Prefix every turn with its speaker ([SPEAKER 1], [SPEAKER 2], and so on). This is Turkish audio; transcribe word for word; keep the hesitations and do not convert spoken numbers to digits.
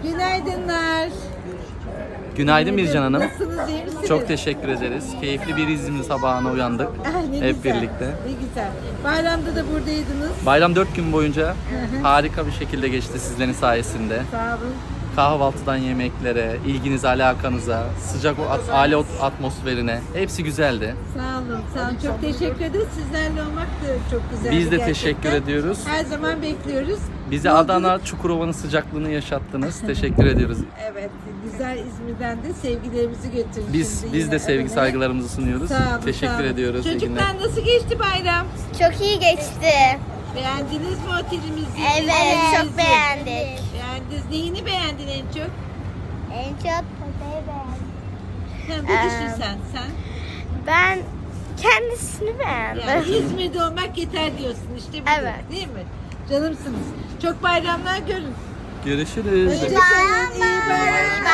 [SPEAKER 1] Günaydınlar.
[SPEAKER 2] Günaydın Bircan Hanım.
[SPEAKER 1] Nasılsınız, iyi misiniz?
[SPEAKER 2] Çok teşekkür ederiz. Keyifli bir İzmir sabahına uyandık.
[SPEAKER 1] Ah, ne
[SPEAKER 2] Hep
[SPEAKER 1] güzel,
[SPEAKER 2] birlikte.
[SPEAKER 1] Ne güzel. Bayramda da buradaydınız.
[SPEAKER 2] Bayram dört gün boyunca harika bir şekilde geçti sizlerin sayesinde.
[SPEAKER 1] Sağ olun.
[SPEAKER 2] Kahvaltıdan yemeklere, ilginize, alakanıza, sıcak o at- aile ot- atmosferine hepsi güzeldi.
[SPEAKER 1] Sağ olun. Sağ olun. Çok teşekkür ederiz. Sizlerle olmak da çok güzel.
[SPEAKER 2] Biz de teşekkür ediyoruz.
[SPEAKER 1] Her zaman bekliyoruz.
[SPEAKER 2] Bize
[SPEAKER 1] Yolculuk-
[SPEAKER 2] Adana Çukurova'nın sıcaklığını yaşattınız. Teşekkür ediyoruz.
[SPEAKER 1] Evet. Güzel İzmir'den de sevgilerimizi götürün.
[SPEAKER 2] Biz
[SPEAKER 1] şimdi
[SPEAKER 2] biz
[SPEAKER 1] yine
[SPEAKER 2] de sevgi
[SPEAKER 1] evine.
[SPEAKER 2] saygılarımızı sunuyoruz.
[SPEAKER 1] Sağ olun, sağ
[SPEAKER 2] Teşekkür
[SPEAKER 1] olun.
[SPEAKER 2] ediyoruz. İyi günler.
[SPEAKER 1] Çocuklar nasıl geçti bayram?
[SPEAKER 3] Çok iyi geçti.
[SPEAKER 1] Beğendiniz mi otelimizi?
[SPEAKER 3] Evet,
[SPEAKER 1] Evinizi?
[SPEAKER 3] çok beğendik.
[SPEAKER 1] Beğendiniz. Neyini beğendin en çok?
[SPEAKER 3] En çok potayı beğendim.
[SPEAKER 1] Ha, bu
[SPEAKER 3] Ee,
[SPEAKER 1] düşün sen. Sen.
[SPEAKER 3] Ben kendisini beğendim.
[SPEAKER 1] Yani İzmir'de olmak yeter diyorsun işte bu.
[SPEAKER 3] Evet.
[SPEAKER 1] Değil mi? Canımsınız. Çok bayramlar görün.
[SPEAKER 2] Görüşürüz.
[SPEAKER 1] Hoşçakalın. İyi bayramlar.